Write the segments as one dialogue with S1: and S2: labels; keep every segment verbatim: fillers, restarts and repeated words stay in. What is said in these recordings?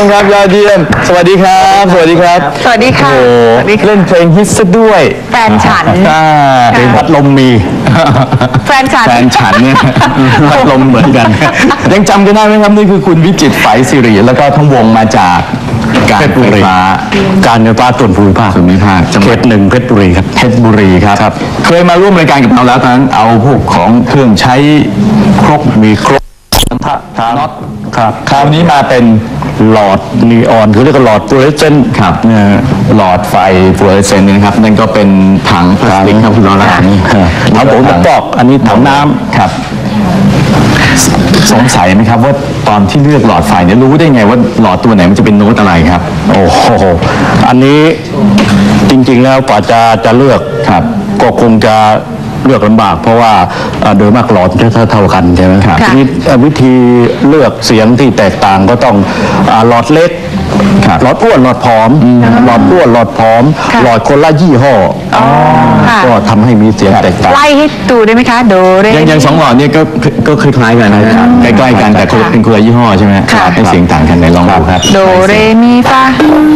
S1: มครับยอดเยี่ยมสวัสดีครับสวัสดีครับ
S2: สวัสดีค่ะ
S1: โอ้เล่นเพลงฮิตซะด้วย
S2: แฟนฉัน
S1: เพลงพัดลมมี
S2: แฟนฉัน
S1: แฟนฉันเนี่ยพัดลมเหมือนกันยังจำกันได้ไหมครับนี่คือคุณวิจิตรไฝศิริแล้วก็ทั้งวงมาจากการไฟฟ้า
S3: การไฟฟ้าส่วนภูมิภาค
S1: ส่วนภูมิภาค
S3: เขตหนึ่งเพชรบุรีครับ
S1: เพชรบุรีครับเคยมาร่วมรายการกับเราแล้วทั้งเอาพวกของเครื่องใช้ครกมีครกน็อตครับคราวนี้มาเป็น
S3: หลอดนีออนคือเรียกว่าหลอดฟลูออเรสเซนต์
S1: ครับหลอดไฟฟลูออเรสเซนต์นะครับนั่นก็เป็นถังพลาสติกครับคุณล้อละนี่
S3: ถังผมตอกอันนี้ถังน้ำ
S1: ครับสงสัยไหมครับว่าตอนที่เลือกหลอดไฟเนี่ยรู้ได้ไงว่าหลอดตัวไหนมันจะเป็นโน้ตอะไรครับ
S3: โอ้โหอันนี้จริงๆแล้วกว่าจะจะเลือก
S1: ครับ
S3: ก็คงจะเลือกลำบากเพราะว่าโดยมากหลอดจะเท่ากันใช่ไหมครับทีนี้วิธีเลือกเสียงที่แตกต่างก็ต้องหลอดเล็กหลอดอ้วนหลอดผอมหลอดอ้วนหลอดผอมหลอดคนละยี่ห้อก็ทำให้มีเสียงแตกต่าง
S2: ไล่ให้ดูได้ไหมคะโดเร
S1: ยังยังสองหลอดนี่ก็ก็คล้ายๆกันนะครับใกล้ๆกันแต่เป็นคนละยี่ห้อใช่ไหมให้เสียงต่างกันในลองดูครับ
S2: โดเรมีฟา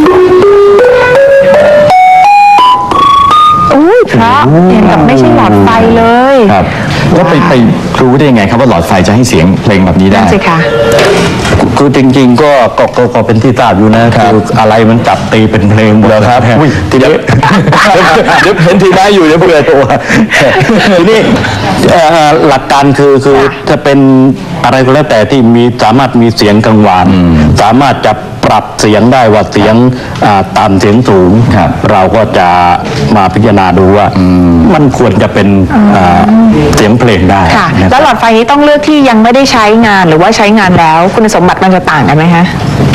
S2: อุ้ยเพราะเห็นกับไม่ใช่หลอดไฟเลย
S1: ครับแล้วไปไปรู้ได้ยังไงครับว่าหลอดไฟจะให้เสียงเพลงแบบนี้ได้
S2: สิคะ
S3: คือจริงๆก็ก็ก็เป็นที่ทราบอยู่นะคืออะไรมันจับตีเป็นเพลงหมด
S1: ครับทีนี้เดี๋ยวเห็นทีได้อยู่เดี๋ยวเบื่อตัว
S3: ทีนี้หลักการคือคือจะเป็นอะไรก็แล้วแต่ที่มีสามารถมีเสียงกังวานสามารถจะปรับเสียงได้ว่าเสียงต่ำเสียงสูงเราก็จะมาพิจารณาดูว่ามันควรจะเป็นเสียงเพลงได้
S2: แล้วหลอดไฟนี้ต้องเลือกที่ยังไม่ได้ใช้งานหรือว่าใช้งานแล้วคุณสมบัติมันจะต่างกันไหมคะ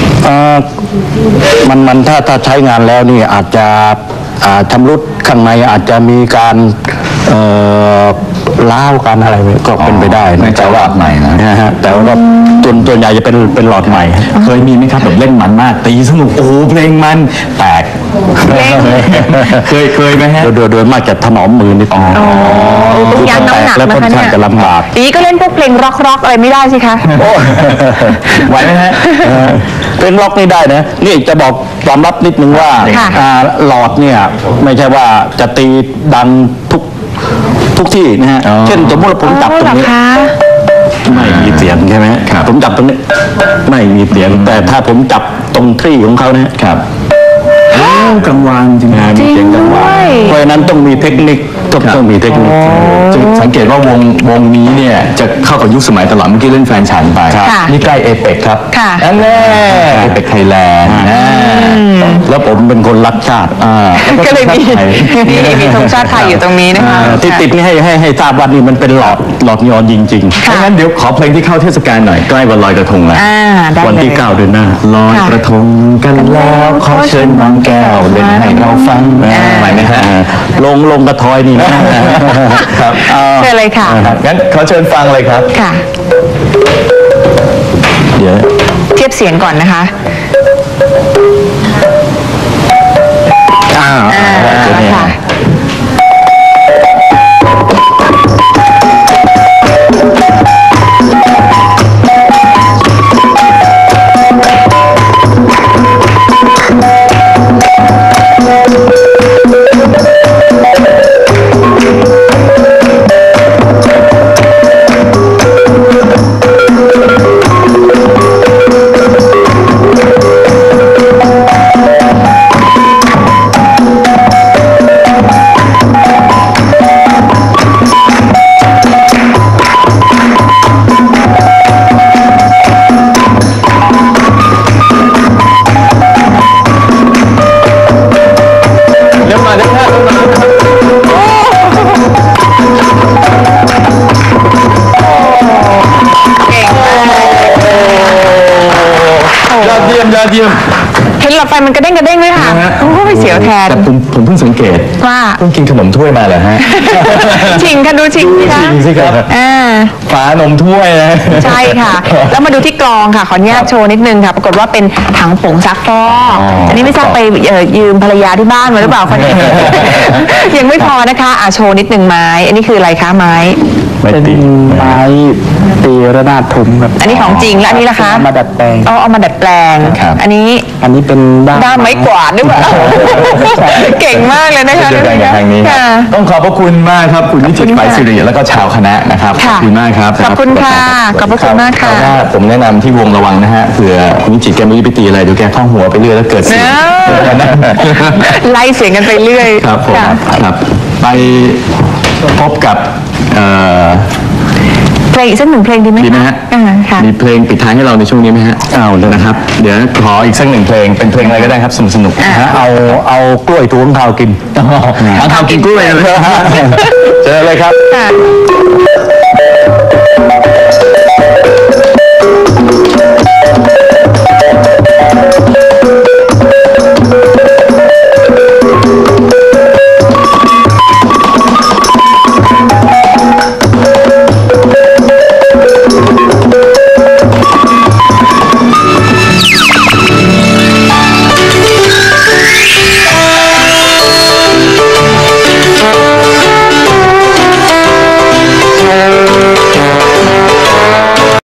S3: มันมันถ้าถ้าใช้งานแล้วนี่อาจจะชำรุดข้างในอาจจะมีการล้าวกันอะไรก็เป็นไปได้
S1: นะแต่ว่าใหม่
S3: นะฮะแต่ว่าตัวตัวใหญ่จะเป็นเป็นหลอดใหม่
S1: เคยมีไหมครับแบบเล่นมันมากตีสนุกโอ้เพลงมันแตกเคยเคยไหมฮะ
S3: โดยโดยมากจะถนอมมือนิดนึง
S2: ต้องยันน้ำหนัก
S3: แล้วค่อนข้างจะลำบาก
S2: ดีก็เล่นพวกเพลงร็อกร็อกอะไรไม่ได้สิคะ
S1: ไหวไหมฮะ
S3: เพลงร็อกนี่ได้นะนี่จะบอกความลับนิดนึงว่าหลอดเนี่ยไม่ใช่ว่าจะตีดังทุกทุกที่นะฮะเช่นสมมติผมจับตรงนี้ไม่มีเสียงใช่ไหมผมจับตรงนี้ไม่มีเสียงแต่ถ้าผมจับตรงที่ของเขาเนี่ย
S1: ครับกังวานจริงๆมีเสียงกังวาน
S3: เพราะฉะนั้นต้องมีเทคนิคต้องต้องมีเทคนิค
S1: สังเกตว่าวงวงนี้เนี่ยจะเข้ากับยุคสมัยตลอดเมื่อกี้เล่นแฟนฉันไปนี่ใกล้เอเปกครับนั่นแน่เอเปกไทยแลนด์
S3: แล้วผมเป็นคนรักชาติ
S2: ก็เลยมีมีมีธงชาติไทยอยู่ตรงนี้นะคะ
S3: ที่ติดนี่ให้ให้ให้ทราบว่านี่มันเป็นหลอดหลอดนีออนจริงๆ
S1: ถ้างั้นเดี๋ยวขอเพลงที่เข้าเทศกาลหน่อยใกล้วันลอยกระทงแล้ว
S3: วันที่เก้าเดือนหน้า
S1: ลอยกระทงกันแล้วขอเชิญน้องแก้วเล่นให้เราฟังไหวไหมฮะ
S3: ลงลงกระทอยนี่
S1: นะครับ
S2: เชิญเลยค่ะ
S1: งั้นขอเชิญฟังเลยครับ
S2: ค่ะ
S1: เดี๋ยว
S2: เทียบเสียงก่อนนะคะ
S1: อ่าค่ะยอดเยี่ยมเ
S2: ห็นหลอดไฟมันกระเด้งกระเด้งเลยค่ะโอ้ยเสียวแทน
S1: แต่ผมผมเพิ่งสังเกต
S2: ว่า
S1: เพิ่งกินขนมถ้วยมาเหรอฮะ
S2: ชิงค่ะดูชิง
S1: ชิงสิครับฝานมถ้วยนะ
S2: ใช่ค่ะแล้วมาดูที่กลองค่ะขออนุญาตโชว์นิดนึงค่ะปรากฏว่าเป็นถังผงซักฟอกอันนี้ไม่ทราบไปยืมภรรยาที่บ้านมาหรือเปล่าคนนี้ยังไม่พอนะคะอ่ะโชว์นิดนึงไม้อันนี้คืออะไรคะไม้
S3: เป็นไม้
S4: ตีระนาดทุ้มครับ
S2: อันนี้ของจริงแล้วอันนี้ล่ะคะ
S4: เอามาดัดแปลง
S2: เอาเอามาดัดแปลง
S1: ครับ
S2: อันนี้
S4: อันนี้เป็นด้าม
S2: ด้ามไม้กวาดด้วยเปล่าเก่งมากเลยนะคะ
S1: เดียวกันกับทางนี้ครับ
S2: ค่ะ
S1: ต้องขอบพระคุณมากครับคุณวิจิตร
S2: ขอบคุณ
S1: ไป
S2: ค่ะ
S1: สิริแล้วก็ชาวคณะนะครับข
S2: ค่ะ
S1: อบคุณมากครับ
S2: ขอบคุณค่ะขอบพระคุณมากค่ะ
S1: รับว่าผมแนะนำที่วงระวังนะฮะเผื่อคุณวิจิตรแกไม่รู้ไปตีอะไรเดี๋ยวแกท่องหัวไปเรื่อยแล้วเกิดเสียง
S2: ไล่เสียงกันไปเรื่อย
S1: ครับผม
S2: ค่ะ
S1: ครับไปพบกับเอ่อ
S2: เพลงอีกสักหนึ่งเพลงดีไหม
S1: ดีไหมฮะ
S2: อ่าค่ะ
S1: มีเพลงปิดท้ายให้เราในช่วงนี้ไหมฮะเอาเลยนะครับ เดี๋ยวขออีกสักหนึ่งเพลงเป็นเพลงอะไรก็ได้ครับสนุกสนุก
S3: นะฮะเอาเอากล้วยถุงเท้ากิน
S1: เอาทำกินกล้วยเลยเจอเลยครับ
S2: ค่ะ